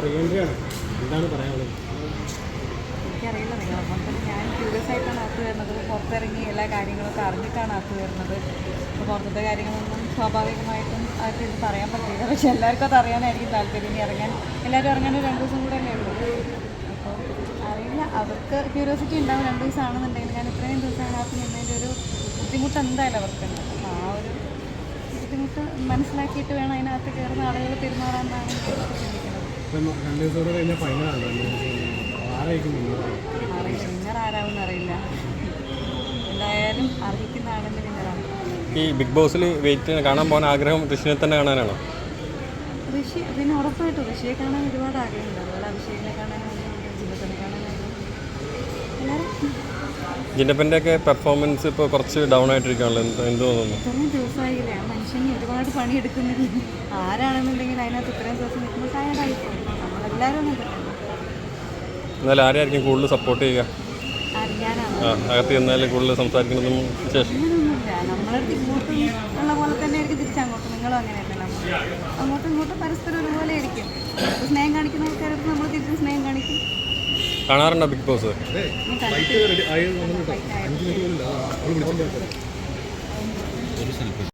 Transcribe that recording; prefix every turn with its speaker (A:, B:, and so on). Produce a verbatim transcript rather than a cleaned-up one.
A: എനിക്കറിയില്ല, നിങ്ങളപ്പം തന്നെ ഞാൻ ക്യൂരിയസ് ആയിട്ടാണ് അകത്ത് വരുന്നത്. പുറത്തിറങ്ങി എല്ലാ കാര്യങ്ങളൊക്കെ അറിഞ്ഞിട്ടാണ് അകത്ത് വരുന്നത്. അപ്പോൾ പുറത്തത്തെ കാര്യങ്ങളൊന്നും സ്വാഭാവികമായിട്ടും അവർക്ക് ഇത് പറയാൻ പറ്റില്ല. പക്ഷെ എല്ലാവർക്കും അത് അറിയാനായിരിക്കും താല്പര്യം. ഇനി ഇറങ്ങാൻ എല്ലാവരും ഇറങ്ങാൻ രണ്ട് ദിവസം കൂടെ അല്ലേ ഉള്ളൂ. അപ്പോൾ അറിയില്ല, അവർക്ക് ക്യൂരിയോസിറ്റി ഉണ്ടാവും. രണ്ട് ദിവസമാണെന്നുണ്ടെങ്കിൽ ഞാൻ ഇത്രയും ദിവസം അതിനകത്ത് നിന്നതിൻ്റെ ഒരു ബുദ്ധിമുട്ട് എന്തായാലും അവർക്കുണ്ട്. അപ്പോൾ ആ ഒരു ബുദ്ധിമുട്ട് മനസ്സിലാക്കിയിട്ട് വേണം അതിനകത്ത് കയറുന്ന ആളുകൾ പെരുമാറാമെന്നാണ് ചിന്തിക്കുന്നത്. അറിയില്ല, വിന്നർ ആരാവും അറിയില്ല. എന്തായാലും അർഹിക്കുന്ന ആളിൻ്റെ വിന്നറാണ്.
B: ഈ ബിഗ് ബോസിൽ വെയിറ്റ് കാണാൻ പോകാൻ ആഗ്രഹം ഋഷിനെ തന്നെ കാണാനാണോ?
A: ഋഷി പിന്നെ ഉറപ്പായിട്ടും ഋഷിയെ കാണാൻ ഒരുപാട് ആഗ്രഹമുണ്ട്. അതുപോലെ അഭിഷേകിനെ കാണാനുണ്ട്, ജില്ലത്തിനെ കാണാനുണ്ട്. എല്ലാവരും
B: ജിന്നപ്പൻ്റെ ഒക്കെ പെർഫോമൻസ് ഇപ്പോൾ കുറച്ച് ഡൗൺ ആയിട്ടിരിക്കുകയാണല്ലോ, എന്ത് എന്ത് തോന്നുന്നു?
A: ഇത്രയും ദിവസമായില്ലേ ആ മനുഷ്യന് ഒരുപാട് പണിയെടുക്കുന്നത്. ആരാണെന്നുണ്ടെങ്കിൽ അതിനകത്ത് ഇത്രയും ദിവസം നിൽക്കുമ്പോൾ ടയർഡായി പോകും. നമ്മളെല്ലാവരും അങ്ങനെ തന്നെ.
B: എന്നാൽ ആരെയായിരിക്കും കൂടുതൽ സപ്പോർട്ട് ചെയ്യുക?
A: അറിയാനാണ്
B: ആ അകത്ത് ചെന്നാൽ കൂടുതൽ സംസാരിക്കുന്നതും ശേഷം
A: അങ്ങനെയൊന്നുമില്ല. നമ്മളടുത്ത് ഇങ്ങോട്ടും ഉള്ള പോലെ തന്നെ ആയിരിക്കും തിരിച്ചങ്ങോട്ടും. നിങ്ങളും അങ്ങനെയല്ല, നമ്മൾ അങ്ങോട്ടും ഇങ്ങോട്ടും പരസ്പരം ഒരുപോലെ ആയിരിക്കും. സ്നേഹം കാണിക്കുന്ന ആൾക്കാരടുത്ത് നമ്മൾ തിരിച്ചും സ്നേഹം കാണിക്കും.
B: കാണാറുണ്ടോ ബിഗ് ബോസ്?
A: ഞാൻ കണ്ടിട്ട്